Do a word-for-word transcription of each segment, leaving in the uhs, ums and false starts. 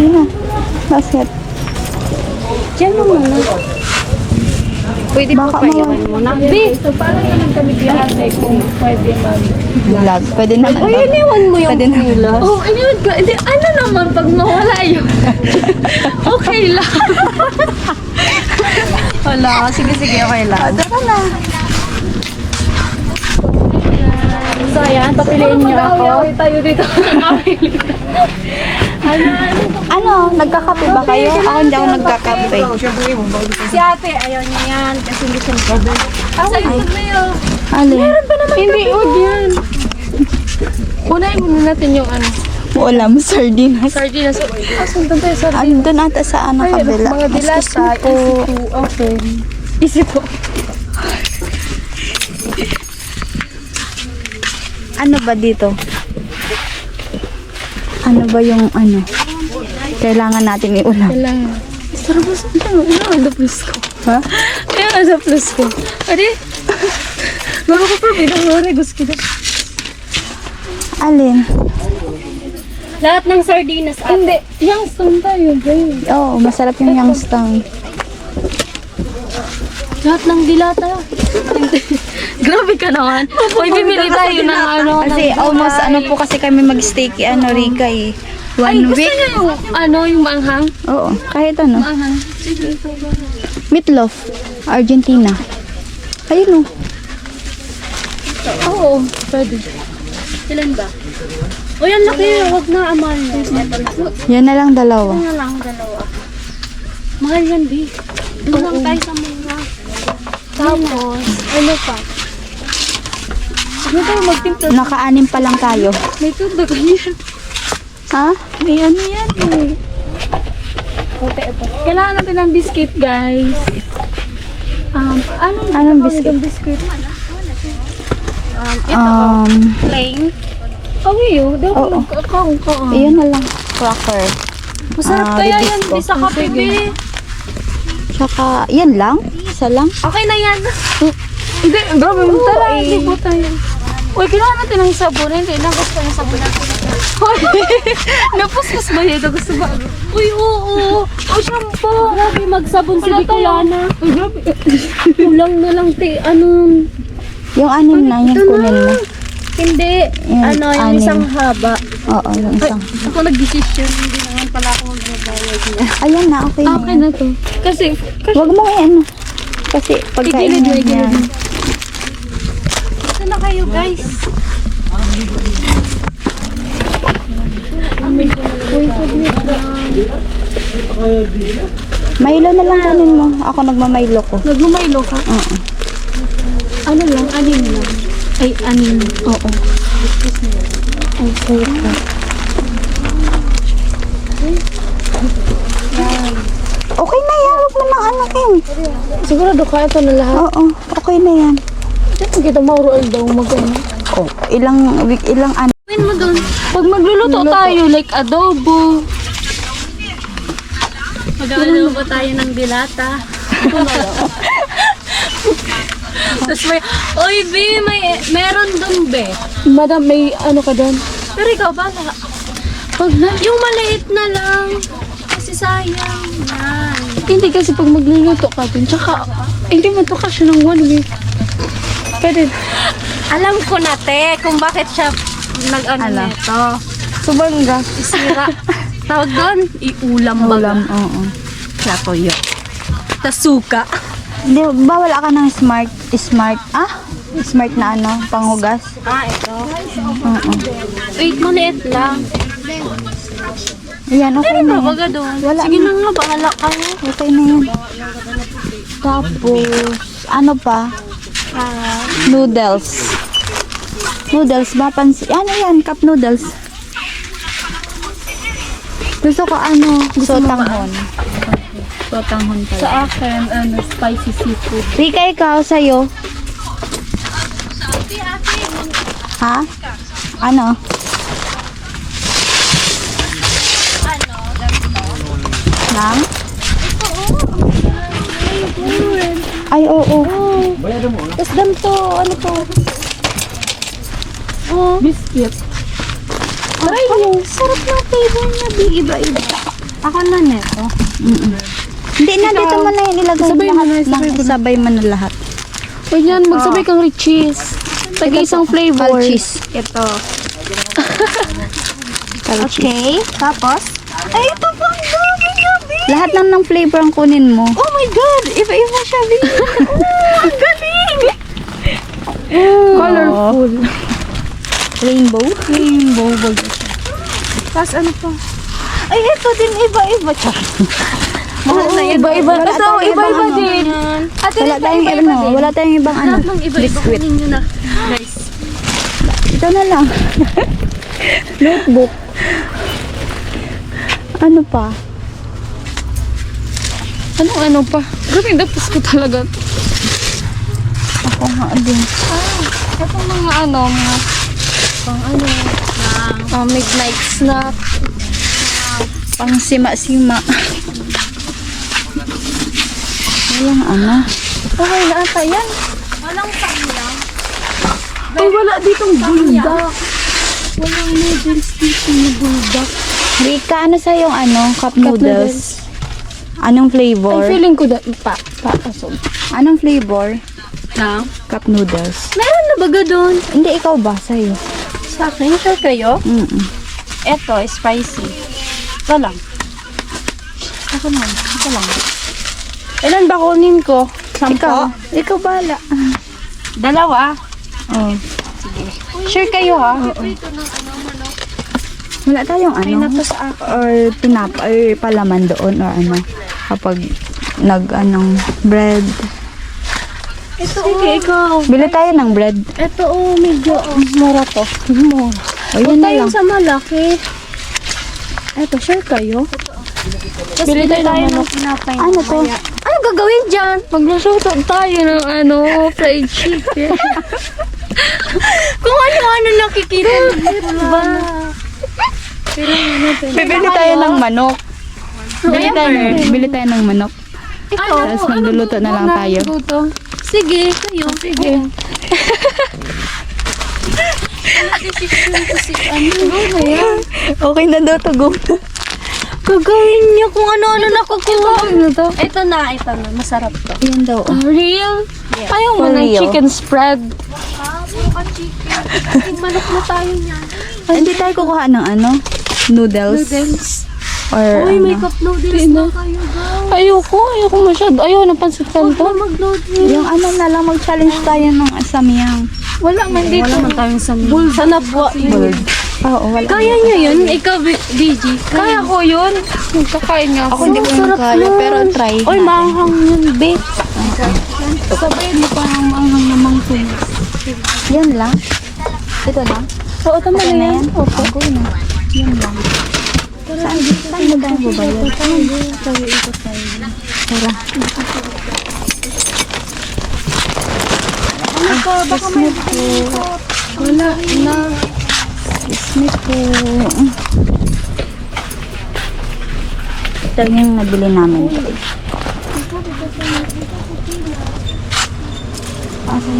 Sige na. Basket. Diyan mo muna. Pwede po Baka payawan mo na. Be! So, paano naman kami klase kung pwede mag... Vlog. Pwede naman. Uy, iniwan mo yung Pwede na. pila. Oh, iniwan ko. Hindi, ano naman pag mawala yun? Okay lang. Wala. Sige, sige. Okay lang. Tara na. So, ayan. Papiliin niyo ako. Tayo dito. Ano? Ano? Nagkakape ba kayo? Ako hindi ako nagkakape. Si ate, ayaw niya yan. Kasi hindi siya mag-order. Ah, sa'yo na yun. Alin? Meron pa naman. Hindi, huwag yan. Unahin muna natin yung ano. Ulam, sardinas. Sardinas. Asan doon tayo sardinas? Andun ata sa ano Ay, kabila. mga dilata. Excuse me po. Easy to open. Easy to. Ano ba dito? Ano ba yung ano? Kailangan natin iulam. Kailangan. Sarap ba sa ano? Ano ang plus ko? Ha? Ano ang plus ko? Adi? Bago ko pa, pinahuri. Gusto ko. Alin? Lahat ng sardinas. Hindi. Youngstown tayo, babe. Oo, oh, masarap yung Youngstown. Lahat ng dilata. Grabe ka naman. Uy, bibili tayo ng ano. Kasi ng almost gulay. ano po kasi kami mag-stay kay ano, Rika eh. One Ay, gusto week. niyo yung ano, yung maanghang? Oo, kahit ano. Maanghang. Sige. Meatloaf, Argentina. Ayun o. Oo, pwede. Ilan ba? O yan, laki. Huwag na, amal. Yan na lang dalawa. Ano lang, dalawa. Mahal yan, B. Doon lang tayo sa mga. Tapos, ano pa? Ano tayo magtimpla? Naka-anim pa lang tayo. May tubig yan. Ha? May ano yan eh. Okay, ito. Kailangan natin ng biscuit, guys. Um, ano Anong biscuit? Yung biscuit. Um, ito. Um, plain. Kawi yun. Daw Oo. nagkakaong ka. Iyon na lang. Cracker. Masarap Ah, kaya bibis yan. ko. Di sa kape, B. Tsaka, yan lang. Isa lang. Okay na yan. Hindi, grabe mo. Tara, hindi po tayo. Uy, kailangan natin ng sabon. Hindi, nagos pa yung sabon natin. Uy, napuskus ba yun? Gusto ba? Uy, oo. O, shampoo. Grabe, magsabon si Bicolana. Uy, grabe. Kulang na lang, te. Ano? Yung anim na, yung Ito kunin mo. na. Hindi. Yung ano, yung anim. isang haba. Oo, yung Ay, isang. ako nag-decision. Hindi naman pala ako magbabayad niya. Ayan na, okay na. Okay yan. na to. Kasi, kasi Huwag mo ano. Kasi pagkain Igilid mo mo, igilid yan. mo. Ito na kayo, guys. Milo na lang kunin mo. Ako nagmamaylo ko. Nagmamaylo ka? Oo. Ano lang? Anim lang. Ay, anim. Oo. Okay po. Okay na yan. Huwag mo na anakin. Sigurado ka ito na lahat. Oo, okay na yan. Ito kita maurual daw mag-ano. Oh, ilang week, ilang ano. Gawin mo doon. Pag magluluto tayo, like adobo. Mag-adobo tayo ng dilata. Tapos may, oy, B, may, meron doon, be. Madam, may ano ka doon? Pero ikaw, bala. Pag na, yung maliit na lang. Kasi sayang. Yan. Hindi kasi pag magluluto ka doon, tsaka, hindi mo to kasi ng one week. Pwede. Alam ko na, te, kung bakit siya nag-ano Ala. nito. Subanga. Isira. Tawag doon, iulam baga. Ulam, oo. Platoyo. Tasuka. Di, bawal ka ng smart, smart, ah? Smart na ano, panghugas. Ah, ito. Oo. Wait, maliit lang. Ayan, okay na yan. Baga doon. Wala Sige na. na nga, bahala kayo. Okay na yan. Tapos, ano pa? Ah, Noodles. Noodles ba? Pansi ano yan? Cup noodles. Gusto ko ano? Sotanghon. Sotanghon pala. sa akin, ano, spicy seafood. Rika, ikaw sa'yo. Ha? Ano? Lang? Ay, oo. Tapos ganito, ano to? Oh, biscuit. Try mo. Sarap ng flavor niya, di iba-iba. Ako na neto. Mm-mm. Hindi na, dito mo na yun ilagay Sabay mo lahat. na, sabay na, mo na. sabay mo na lahat. Huwag yan, magsabay kang rich cheese. Tag-isang flavor. Cheese. Ito. Okay, Tapos? ay, ito pa ang dami, gabi. Lahat lang ng flavor ang kunin mo. Oh my God! Iba-iba siya, Bi. Oh, ang galing! Colorful. Rainbow. Rainbow bag. Tapos ano pa? Ay, ito din iba-iba. Char. Oo, iba-iba. Wala Ito, tayong iba-iba ibang din. Ate, Wala tayong iba-iba ano, din. wala tayong ibang ano. Lahat ng iba-iba Biscuit. kunin nyo na. Guys. Ito na lang. Notebook. Ano pa? Anong ano pa? Grabe, dapat ko talaga. Ako nga din. Ito mga ano, mga pang ano, uh, midnight snack. Pang sima-sima. Walang ano. Okay na ata yan. Walang panglang. Ay, wala ditong buldak. Walang noodles dito na buldak. Rika, ano sa yung ano? Cup noodles? Anong Ay, flavor? feeling ko da, pa, pa, pasog. Anong flavor? Na? Cup noodles. Meron na baga doon? Hindi, ikaw ba? Sa'yo. Sa akin, sure kayo? Mm-mm. Eto, spicy. Ito lang. Ako naman, ito lang. Ilan ba kunin ko? Sampo? Ikaw? Ikaw bala. Dalawa? Oh. Sure kayo ha? Wala tayong Ay, ano? nato sa akin. Or pinap or palaman doon or ano? Kapag nag anong bread. Ito, sige, ikaw. Bili tayo ng bread. Ito, oh, medyo, oh, mura to. Mura. O yun na lang. Tayo sa malaki. Eto, sure kayo? Bili tayo ng manok. Ano to? Ano gagawin dyan? Maglusuto tayo ng ano, fried chicken. Kung ano-ano nakikita ba? Bibili tayo ng manok. Bili tayo, bili tayo ng manok. Ito, Tapos magluluto na lang tayo. Sige, kayo. Sige. Ano yan? Okay na daw to, go. Gagawin niyo kung ano-ano nakukuha. Ano to? Ito na, ito na. Masarap to. Yan daw. oh. Real? Ayaw mo For ng real. chicken spread. Manok na tayo niyan. Hindi tayo kukuha ng ano? Noodles. Or Uy, ano? may cup noodles na kayo, guys. Ayoko, ayoko masyado. Ayaw, napansin ka to. mag-noodles. Yung ano na lang, mag-challenge tayo ng asamyang. Wala man dito. Wala man tayong sa Bul sa nabwa. Oo, wala. Kaya niyo yun? Ikaw, B G. Kaya ko yun. Magkakain nga Ako hindi ko yun kaya, pero try Uy, natin. manghang yun, be. Sabay mo pa ang manghang namang tunis. Yan lang. Ito lang. Oo, tama Okay na na yan. yan? Opo. Okay na. Yan lang. Saan? Saan mo tayo babayad? Tara. Ano pa? Baka may wala na. Excuse me po. Ito yung nabili namin. Okay.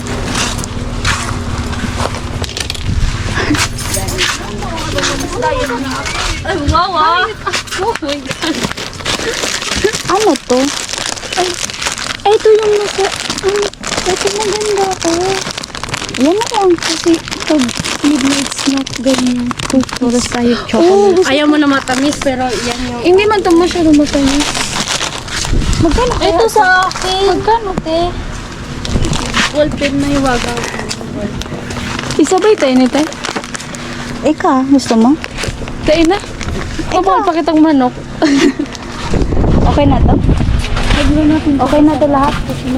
Ay, wow, ah. Oh my God. Ano to? Ay, ito yung nasa, ay, ito maganda ko. Yan na lang. Kasi pag midnight snack, ganyan. Puro tayo chocolate. Ayaw mo na matamis, pero yan yung... Hindi man ito masyado matamis. Magkano kaya? Ito sa akin. Magkano, te? Ballpen na iwaga. Isabay tayo ni te. Ika, gusto mo? Tayo na. Kapag pakitang manok. Okay na to? Okay na to lahat?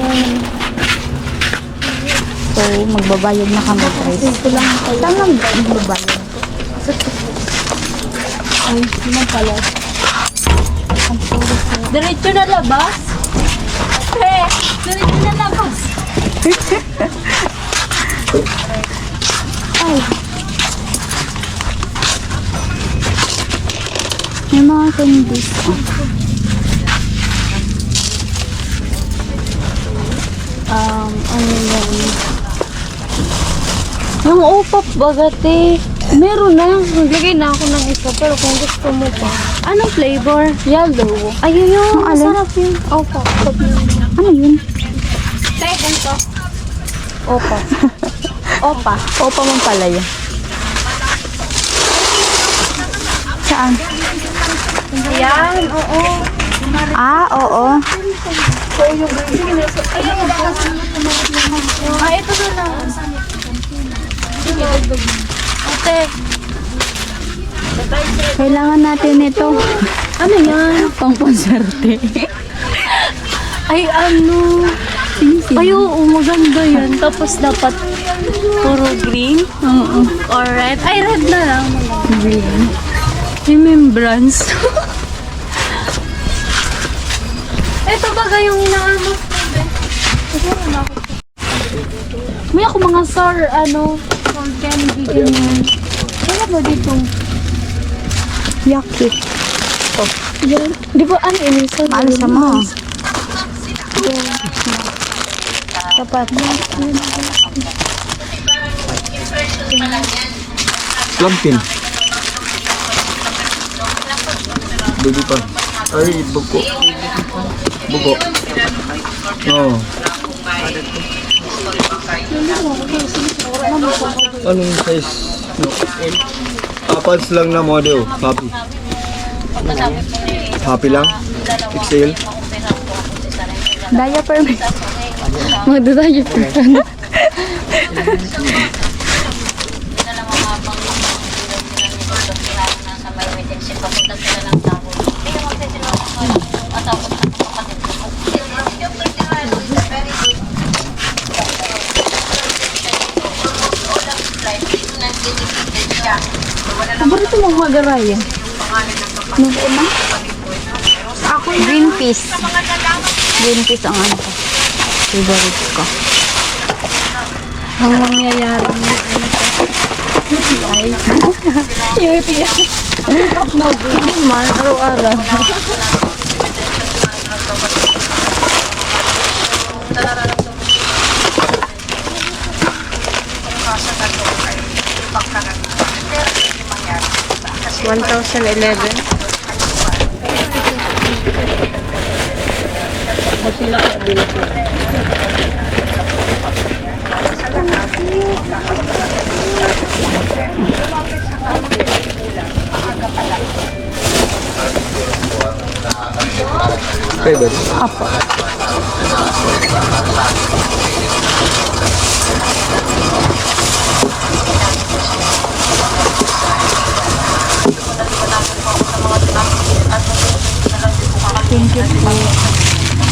So, magbabayad na kami, guys. Saan lang magbabayad? Ay, naman pala. Diretso na labas? Pre, diretso na labas. Ay. May mga candies. Oh. Um, ano yan? Yung upap bagate. Meron na. Naglagay na ako ng isa. Pero kung gusto mo pa. Anong flavor? Yellow. Ayun yung Ang alin? masarap yun. Opo. Ano yun? Second to. Opa. Opa. Opa mong pala yun. Saan? Yan, oo. Ah, oo. Ah, ito na lang. Ate. Kailangan natin ito. Ano yan? Pang panserte. Ay, ano? Ay, oo, maganda yan. Tapos dapat puro green Oo. or red. Ay, red na lang. Green. Remembrance. Ito baga yung inaano. May ako mga sour, ano, sour candy, ganyan. Kaya ba dito? Yucky. Yan. Di ba ano yun? Sour Mahal sa mo. Dapat. Plampin. Baby pa. Ay, buko. Buko. Oo. Anong size? No. Apats lang na model. Happy. Happy lang? X L? Diaper. Magdadayo po. Paborito mong magaraya. Nung una? Ako green peas. Green peas ang ano ko. Favorite ko. Ang mangyayari niya. Yung ipiyak. Man, araw-araw. one thousand eleven. Favorite? Apo. Thank you po.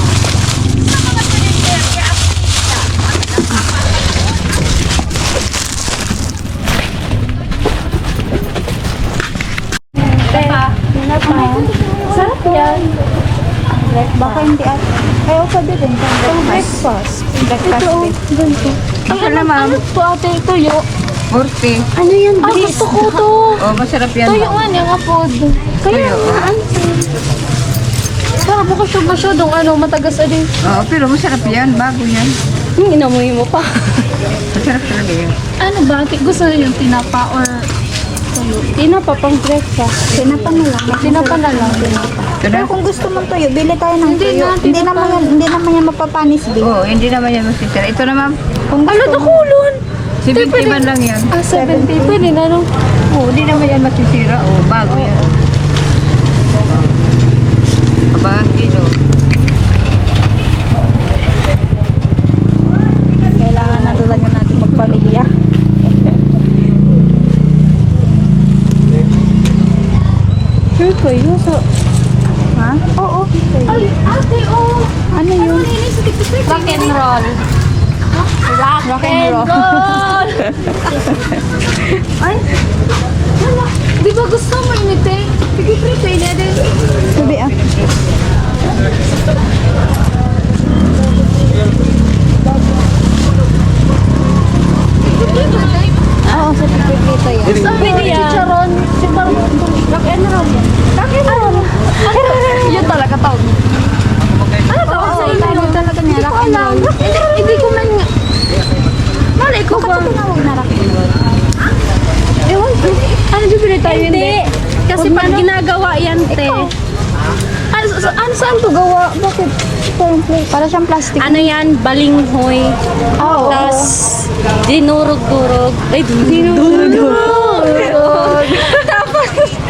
Sarap yan. Baka hindi at... Ay, o pwede din. Pang breakfast. Breakfast Ito, din. ganito. Ay, Ito ano, na, ma'am. ano to ate? Tuyo. Forty. Ano yan? Ah, gusto ko to. Oh, masarap yan. Tuyo nga niya nga po. Kaya Tuyo. nga, ano? Sarap ako siya masyadong ano, matagas ali. Oo, pero masarap yan. Bago yan. Yung inamoy mo pa. Masarap talaga yan. Ano ba? Gusto niyo yung tinapa or tuyo? Tinapa pang breakfast. Tinapa na lang. Tinapa na lang. Pero kung gusto mong tuyo, bili tayo ng Hindi tuyo. na, Hindi tinapa. naman, yan- hindi naman yan mapapanis, Bi. Oo, hindi naman yan masisira. Ito na, ma'am. Kung Ano to kulon? seventy man lang yan. Ah, seventy. Pwede na no? Oo, hindi naman yan masisira. Oo, bago yan. Abang kilo. Kailangan na talaga natin magpamilya. Sure ko yun. So, Ha? Oo. ay, ate, oh. Ano yun? Rock and roll. Rock, Rock and roll. roll. Ay, wala. Di ba gusto mo inite? Sige, prepay na din. Sabi ah. Oo, sa pipito yan. Sabi niya. Chicharon. Chicharon. Rock and roll. Rock and roll. Yun talaga tawag. Ano tawag sa inyo? Tawag talaga niya, rock and roll. Hindi ko man nga. Malay ko ba? Tinawag na rock and roll. Ewan Hindi. Kasi pag ginagawa yan, te. Ano, sa- ano saan to gawa? Bakit? Para siyang plastic. Ano yan? Balinghoy. Oo. Tapos, dinurog-durog. Ay, dinurog-durog. Tapos,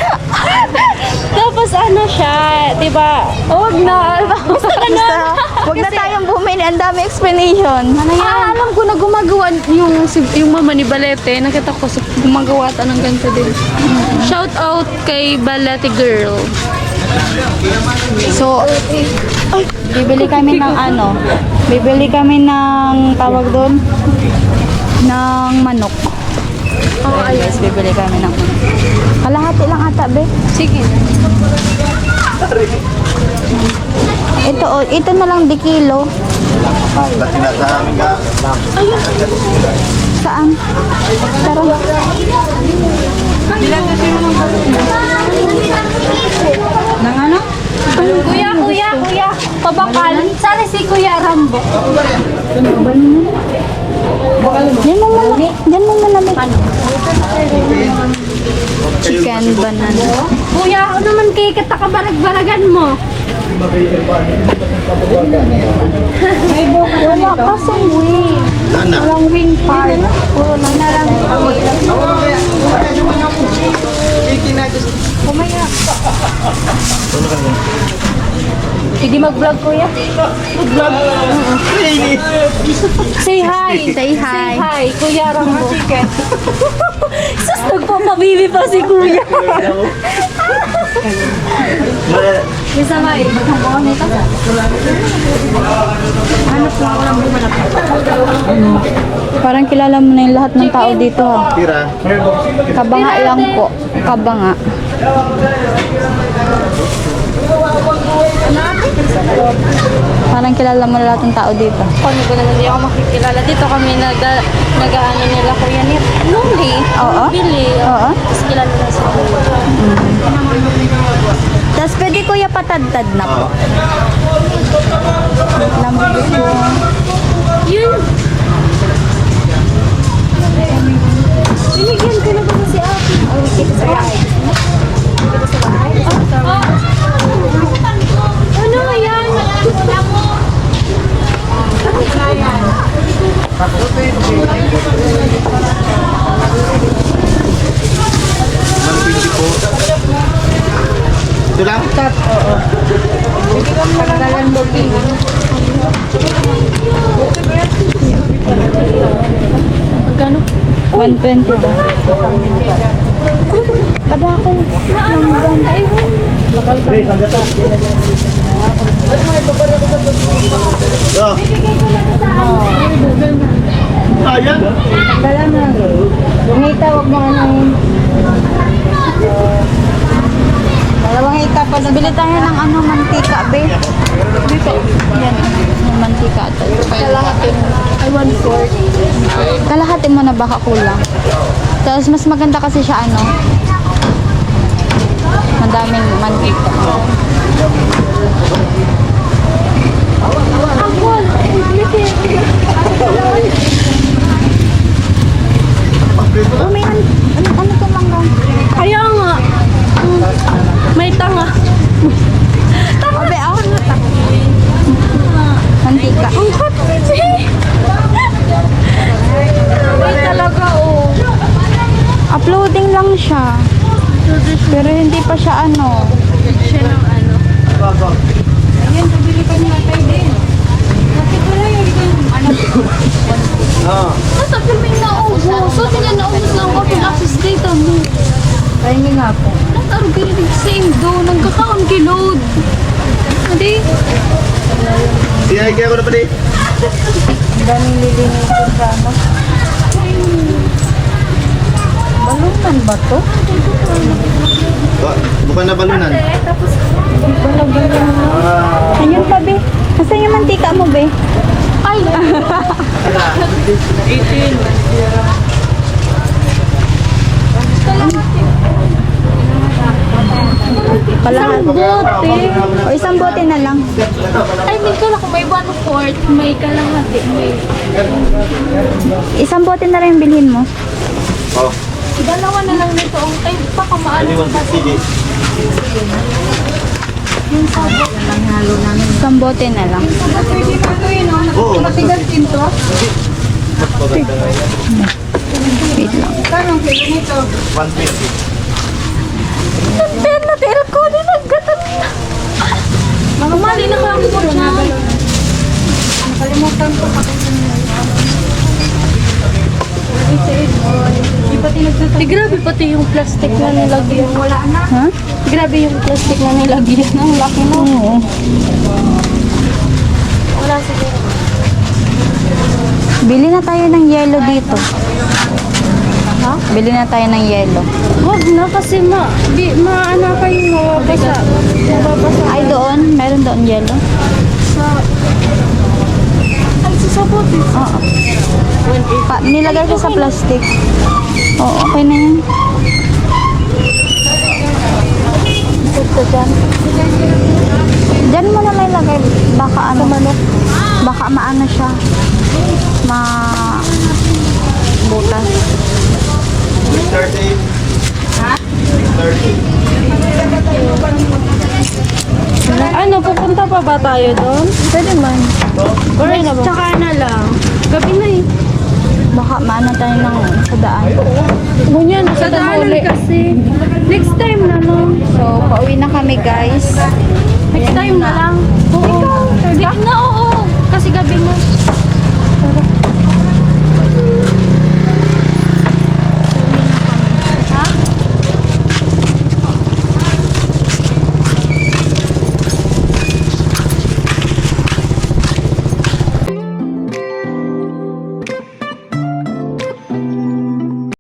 tapos ano siya, di ba? Huwag na. Basta ganun. Huwag na tayong bumili. Ang dami explanation. Ano yan? Ah, alam ko na gumagawa yung, si- yung mama ni Balete. Nakita ko sa gumagawa ta ng ganito din. Shout out kay Balete Girl. So, bibili kami ng ano, bibili kami ng tawag doon, ng manok. Oh, ayun. Yes, bibili kami ng manok. Kalahati lang ata, be. Sige. Ito, oh, ito na lang di kilo. Saan? Tara. Nang ano? Kuya, kuya, kuya. Pabakal. Sana si Kuya Rambo. Diyan mo muna. Diyan mo muna. Chicken banana. Kuya, ako naman kay katakabarag-baragan mo. Wala kasing wing. Walang wing part. Puro lang na lang. Sige, mag-vlog, kuya. Mag-vlog. Say hi. Say hi. Say hi, Kuya Rambo. Sus, nagpapabibi pa si Kuya. Isa ba eh? Parang kilala mo na yung lahat ng tao dito ha. Tira. Kabanga lang po. Kabanga. Parang kilala mo na lahat ng tao dito. Paano ko naman hindi ako makikilala? Dito kami nag nag-ano nila Kuya Nip. Nuli. Oo. Bili. Oo. Tapos kilala na si Kuya. Tapos pwede kuya patadtad na po. Lambo po. Yun. Binigyan ko na ba si Ate? Oh, kita sa bahay. Kita sa bahay? Oh. Ano yan? Ito lang? Magkano? one twenty ba? Kada ako. Oh. Ayan. Kala na. Bumita, huwag mo ano yun. Dalawang hita pa. Bili tayo ng ano, mantika, be. Dito. Yan. Yung mantika ito. Kalahati. Ay, one-fourth. Kalahati mo na baka kulang. Tapos mas maganda kasi siya ano. Madaming mantika. Angkol! Oh, may an ano, ano to mangga? Kaya nga. Mm, May tanga. Abe, ah. Mantika. Ang hot kasi. May talaga, oh. Uploading lang siya. Pero hindi pa siya ano. Siya ng ano. Ayan, pabili ka nila tayo din. Bakit wala yung ano? Ah. Nasa filming na ubos. So, tingnan na ubos ng open access data mo. Pahingi nga po. Nataro ka rin same do. Nagkakaon kilod. Hindi. Siyay kaya ko na pa di. Ang daming lilinisin sa ano. Balunan ba to? Ba- Bukan na balunan. Tapos, Balunan. Ah. Ayun pa, be. Nasaan yung mantika mo, be? ay! Kalahat. Bote. O isang bote na lang. Ay, may kala ko may one-fourth, may kalahati, may... Isang bote na lang yung bilhin mo. Oh. Dalawa na lang nito. Ay, baka maano Anyone pa can see this. yung sabot. Isang bote na lang. Pwede pa ito yun, oh. Oo, mas Matigas din to. mas maganda nga yan. Wait lang. Kano ang kilo nito? one twenty. Ben, natira ko din nagkatan na. Kumali na ka mo siya. Nakalimutan ko pa kung Eh, grabe pati yung plastic na nilagyan. Wala na. Ha? Grabe yung plastic na nilagyan. Ang laki mo. Oo. Wala siguro. Bili na tayo ng yelo dito. Ha? Bili na tayo ng yelo. Huwag na kasi ma, di, maano kayo mababasa. Mababasa. Ay, doon. Meron doon yelo. Sa... Ay, sasabot eh. Oo. Pa, nilagay ko sa plastic. Oo, okay na yan. Ito dyan. Dyan mo na lang ilagay. Baka ano. Baka maano siya. Ma... butas. thirty. Ha? thirty. Ano, pupunta pa ba tayo doon? Pwede man. Or na ba? Tsaka na lang. Gabi na eh. Baka maano tayo ng sa daan. Ganyan, sa daanan kasi. Next time na lang. So, pauwi na kami guys. Next time na lang. Oo. Ikaw, na